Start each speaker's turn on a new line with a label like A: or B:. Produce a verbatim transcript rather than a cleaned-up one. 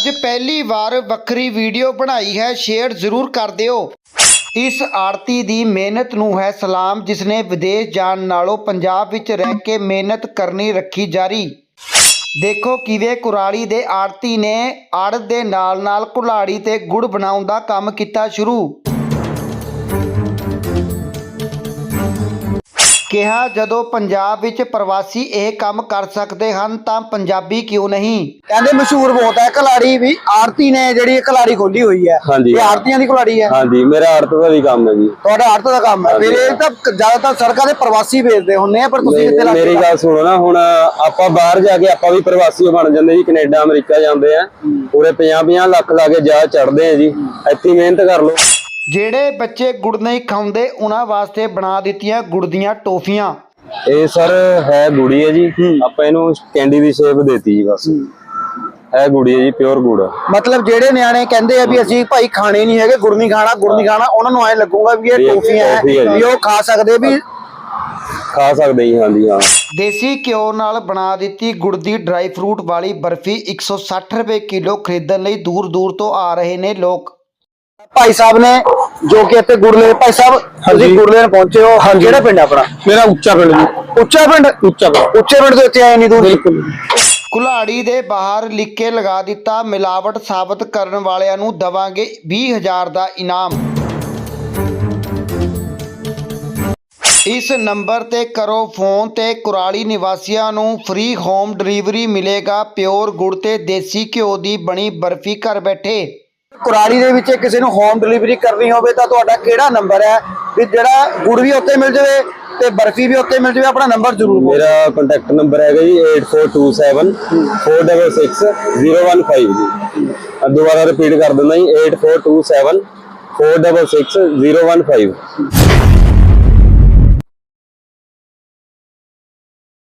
A: ਅੱਜ पहली वार ਵੱਖਰੀ वीडियो बनाई है, शेयर जरूर कर दिओ। इस आड़ती दी मेहनत नूं है सलाम, जिसने विदेश जाण नालों पंजाब विच रह के मेहनत करनी रखी जारी। देखो किवें कुराली दे आड़ती ने आड़त दे नाल नाल कुल्हाड़ी ते गुड़ बनाउण दा काम कीता शुरू। ਕਿਹਾ ਜਦੋਂ ਪੰਜਾਬ ਵਿੱਚ ਪ੍ਰਵਾਸੀ ਇਹ ਕੰਮ ਕਰ ਸਕਦੇ ਹਨ ਤਾਂ ਪੰਜਾਬੀ ਕਿਉਂ ਨਹੀਂ।
B: ਕਹਿੰਦੇ ਮਸ਼ਹੂਰ ਬਹੁਤ ਹੈ ਕਲਾੜੀ ਵੀ। ਆਰਤੀ ਨੇ ਜਿਹੜੀ ਕਲਾੜੀ ਖੋਲੀ ਹੋਈ ਹੈ, ਇਹ ਆਰਤੀਆਂ ਦੀ ਕਲਾੜੀ ਹੈ।
C: ਹਾਂਜੀ, ਮੇਰਾ ਆਰਤ ਦਾ ਵੀ ਕੰਮ ਹੈ ਜੀ।
B: ਤੁਹਾਡਾ ਆਰਤ ਦਾ ਕੰਮ ਹੈ। ਫਿਰ ਇਹ ਤਾਂ ਜ਼ਿਆਦਾਤਰ ਸੜਕਾਂ ਦੇ ਪ੍ਰਵਾਸੀ ਵੇਚਦੇ ਹੁੰਦੇ ਆ, ਪਰ ਤੁਸੀਂ ਕਿੱਥੇ ਲੱਗੇ?
C: ਮੇਰੀ ਗੱਲ ਸੁਣੋ ਨਾ, ਹੁਣ ਆਪਾਂ ਬਾਹਰ ਜਾ ਕੇ ਆਪਾਂ ਵੀ ਪ੍ਰਵਾਸੀ ਬਣ ਜਾਂਦੇ ਜੀ। ਕੈਨੇਡਾ ਅਮਰੀਕਾ ਜਾਂਦੇ ਆ, ਪੂਰੇ ਪੰਜਾਹ ਪੰਜਾਹ ਲੱਖ ਲਾ ਕੇ ਜਾ ਚੜਦੇ ਆ ਜੀ। ਇੱਥੇ ਮਿਹਨਤ ਕਰ ਲਓ।
A: ਜਿਹੜੇ ਬੱਚੇ ਗੁੜ ਨਹੀਂ ਖਾਂਦੇ ਉਹਨਾਂ ਵਾਸਤੇ ਬਣਾ ਦਿੱਤੀਆਂ ਗੁੜ ਦੀਆਂ ਟੋਫੀਆਂ।
C: ਇਹ ਸਰ ਹੈ ਗੁੜੀ ਹੈ ਜੀ, ਆਪਾਂ ਇਹਨੂੰ ਕੈਂਡੀ ਦੀ ਸ਼ੇਪ ਦੇਤੀ ਜੀ। ਬਸ ਹੈ ਗੁੜੀ ਹੈ ਜੀ, ਪਿਓਰ ਗੁੜ।
B: ਮਤਲਬ ਜਿਹੜੇ ਨਿਆਣੇ ਕਹਿੰਦੇ ਆ ਵੀ ਅਸੀਂ ਭਾਈ ਖਾਣੇ ਨਹੀਂ ਹੈਗੇ, ਗੁੜ ਨਹੀਂ ਖਾਣਾ ਗੁੜ ਨਹੀਂ ਖਾਣਾ, ਉਹਨਾਂ ਨੂੰ ਐ ਲੱਗੂਗਾ ਵੀ ਇਹ ਟੋਫੀਆਂ ਹੈ ਵੀ ਉਹ ਖਾ ਸਕਦੇ ਵੀ
C: ਖਾ ਸਕਦੇ ਜੀ। ਹਾਂਜੀ ਹਾਂ।
A: ਦੇਸੀ ਘਿਓ ਨਾਲ ਬਣਾ ਦਿੱਤੀ ਗੁੜ ਦੀ ਡਰਾਈ ਫਰੂਟ ਵਾਲੀ ਬਰਫੀ ਇੱਕ ਸੌ ਸੱਠ ਰੁਪਏ ਕਿਲੋ ਖਰੀਦਣ ਲਈ ਦੂਰ ਦੂਰ ਤੋਂ ਆ ਰਹੇ ਨੇ ਲੋਕ।
B: ਭਾਈ ਸਾਹਿਬ ਨੇ ਜੋ ਕਿ ਇੱਥੇ ਗੁੜ ਲੈ, ਭਾਈ ਸਾਹਿਬ ਤੁਸੀਂ ਗੁੜ ਲੈਣ ਪਹੁੰਚੇ ਹੋ, ਕਿਹੜਾ ਪਿੰਡ ਆਪਣਾ?
C: ਮੇਰਾ ਉੱਚਾ ਪਿੰਡ ਜੀ।
B: ਉੱਚਾ ਪਿੰਡ? ਉੱਚਾ ਪਿੰਡ। ਉੱਚੇ ਪਿੰਡ ਤੋਂ ਇੱਥੇ ਆਏ ਨਹੀਂ ਦੂਰ? ਬਿਲਕੁਲ।
A: ਕੁल्हाड़ी ਦੇ ਬਾਹਰ ਲਿਖ ਕੇ ਲਗਾ ਦਿੱਤਾ, ਮਿਲਾਵਟ ਸਾਬਤ ਕਰਨ ਵਾਲਿਆਂ ਨੂੰ ਦਵਾਂਗੇ ਵੀਹ ਹਜ਼ਾਰ ਦਾ ਇਨਾਮ। ਇਸ ਨੰਬਰ ਤੇ ਕਰੋ ਫੋਨ ਤੇ ਕੁਰਾਲੀ ਨਿਵਾਸੀਆਂ ਨੂੰ ਫ੍ਰੀ ਹੋਮ ਡਿਲੀਵਰੀ ਮਿਲੇਗਾ ਪਿਓਰ ਗੁੜ ਤੇ ਦੇਸੀ ਘਿਓ ਦੀ ਬਣੀ ਬਰਫੀ ਘਰ ਬੈਠੇ।
B: ਕੁਰਾਲੀ ਦੇ ਵਿੱਚ ਕਿਸੇ ਨੂੰ ਹੋਮ ਡਿਲੀਵਰੀ ਕਰਨੀ ਹੋਵੇ ਤਾਂ ਤੁਹਾਡਾ ਕਿਹੜਾ ਨੰਬਰ ਹੈ ਵੀ ਜਿਹੜਾ ਗੁੜ ਵੀ ਉੱਤੇ ਮਿਲ ਜਾਵੇ ਤੇ ਬਰਫੀ ਵੀ ਉੱਤੇ ਮਿਲ ਜਾਵੇ? ਆਪਣਾ ਨੰਬਰ ਜ਼ਰੂਰ ਬੋਲੋ।
C: ਮੇਰਾ ਕੰਟੈਕਟ ਨੰਬਰ ਹੈਗਾ ਜੀ eight four two seven four six six zero one five ਜੀ। ਦੁਬਾਰਾ ਰਿਪੀਟ ਕਰ ਦਿੰਦਾ ਜੀ eight four two seven four six six zero one five।